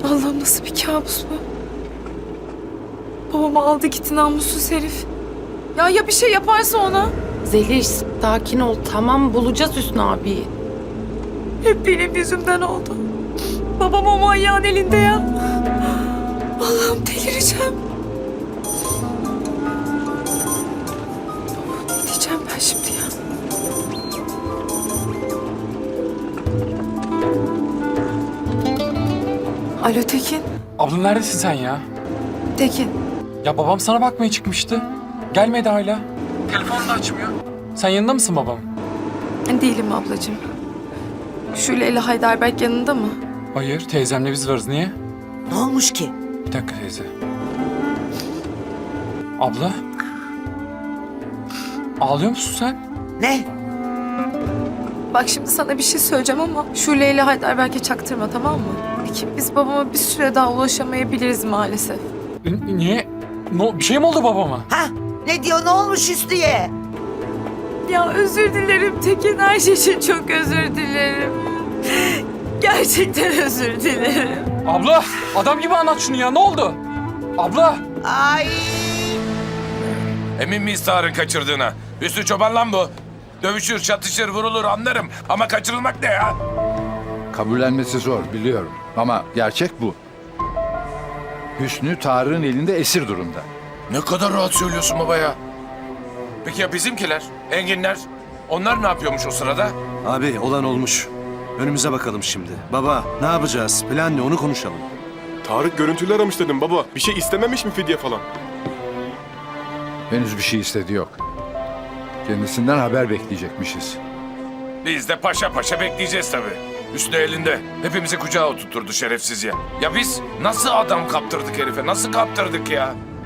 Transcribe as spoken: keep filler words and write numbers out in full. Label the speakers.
Speaker 1: Allah'ım nasıl bir kabus bu? Babamı aldı gitti namussuz herif. Ya ya bir şey yaparsa ona?
Speaker 2: Zeliş sakin ol, tamam bulacağız Hüsnü abiyi.
Speaker 1: Hep benim yüzümden oldu. Babam o manyağın elinde ya. Allah'ım delireceğim. Ne diyeceğim ben şimdi ya? Alo Tekin.
Speaker 3: Abla neredesin sen ya?
Speaker 1: Tekin.
Speaker 3: Ya babam sana bakmaya çıkmıştı. Gelmedi hala. Telefonu da açmıyor. Sen yanında mısın babam?
Speaker 1: Değilim ablacığım. Şule ile Heidelberg yanında mı?
Speaker 3: Hayır, teyzemle biz varız. Niye?
Speaker 4: Ne olmuş ki?
Speaker 3: Bir dakika teyze. Abla? Ağlıyor musun sen?
Speaker 4: Ne?
Speaker 1: Bak şimdi sana bir şey söyleyeceğim ama Şule ile Heidelberg'e çaktırma, tamam mı? Peki biz babama bir süre daha ulaşamayabiliriz maalesef.
Speaker 3: N- niye? No, bir şey mi oldu babama?
Speaker 4: Ha? Ne diyor, ne olmuş Hüsnü'ye?
Speaker 1: Ya özür dilerim Tekin, her şey için çok özür dilerim. Gerçekten özür dilerim.
Speaker 3: Abla, adam gibi anlat şunu ya. Ne oldu? Abla!
Speaker 4: Ay!
Speaker 5: Emin miyiz Tarık'ın kaçırdığına? Hüsnü Çoban lan bu. Dövüşür, çatışır, vurulur anlarım. Ama kaçırılmak ne ya?
Speaker 6: Kabullenmesi zor biliyorum ama gerçek bu. Hüsnü Tarık'ın elinde esir durumda.
Speaker 5: Ne kadar rahat söylüyorsun baba ya. Peki ya bizimkiler, enginler? Onlar ne yapıyormuş o sırada?
Speaker 7: Abi olan olmuş. Önümüze bakalım şimdi. Baba ne yapacağız? Plan ne, onu konuşalım.
Speaker 8: Tarık görüntülü aramış dedim baba. Bir şey istememiş mi fidye falan?
Speaker 6: Henüz bir şey istedi yok. Kendisinden haber bekleyecekmişiz.
Speaker 5: Biz de paşa paşa bekleyeceğiz tabii. Hüsnü elinde. Hepimizi kucağa oturturdu şerefsiz ya. Ya biz nasıl adam kaptırdık herife? Nasıl kaptırdık ya?